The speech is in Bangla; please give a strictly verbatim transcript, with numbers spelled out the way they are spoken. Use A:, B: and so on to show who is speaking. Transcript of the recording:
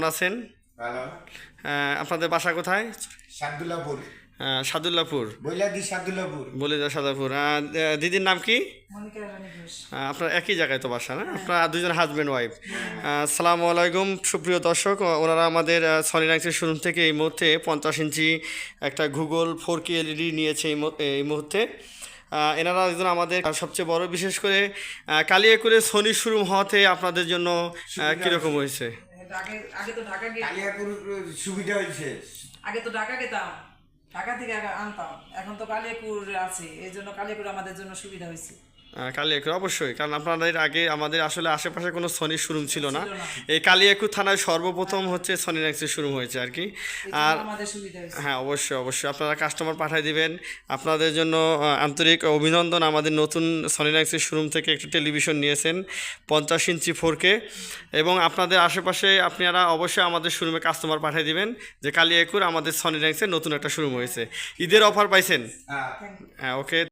A: আছেন?
B: ভালো।
A: আহ, আপনাদের বাসা কোথায়?
B: সাদুল্লাপুর।
A: আহ, সাদুল্লাপুর।
B: বইলাদি সাদুল্লাপুর।
A: বলিদা সাদাপুর। আহ, দিদির নাম কি?
C: মনিকা রানী ঘোষ।
A: আহ, আপনার একই জায়গায় তো বাসা না? আপনারা দুজন হাজব্যান্ড ওয়াইফ। আসসালামু আলাইকুম সুপ্রিয় দর্শক, ওনারা আমাদের সনি রাইক্সের শোরুম থেকে এই মুহূর্তে পঞ্চাশ ইঞ্চি একটা গুগল ফোর কে এলইডি নিয়েছে এই মু- এই মুহূর্তে। আহ, এনারা একজন আমাদের সবচেয়ে বড়, বিশেষ করে আহ, কালিয়াকুরে সনি শোরুম হওয়াতে আপনাদের জন্য আহ, কীরকম হয়েছে?
C: এটা আগে আগে তো ঢাকা গে
B: কালিয়াপুর সুবিধা হয়েছে।
C: আগে তো ঢাকা গেতাম, ঢাকা থেকে আগে আনতাম। এখন তো কালিয়াকুর আছে, এই জন্য কালিয়াকুর আমাদের জন্য সুবিধা হয়েছে।
A: আহ, কালিয়াকুর অবশ্যই, কারণ আপনাদের আগে আমাদের আসলে আশেপাশে কোনো সনির শোরুম ছিল না।
C: ছিল না।
A: এই কালিয়াকুর থানায় সর্বপ্রথম হচ্ছে সনি রাইক্সের শোরুম হয়েছে আর কি।
C: এই জন্য
A: আর
C: আমাদের সুবিধা হয়েছে।
A: হ্যাঁ, অবশ্যই অবশ্যই আপনারা কাস্টমার পাঠিয়ে দিবেন। আপনাদের জন্য আহ, আন্তরিক অভিনন্দন। আমাদের নতুন সনি রাইক্সের শোরুম থেকে একটি টেলিভিশন নিয়েছেন পঞ্চাশ ইঞ্চি ফোর কে, এবং আপনাদের আশেপাশে আপনারা অবশ্যই আমাদের শোরুমে কাস্টমার পাঠিয়ে দিবেন যে কালিয়াকুর আমাদের সনি রাইক্সের নতুন একটা শোরুম হয়েছে। ঈদের অফার পাইছেন?
B: হ্যাঁ।
A: হ্যাঁ, ওকে।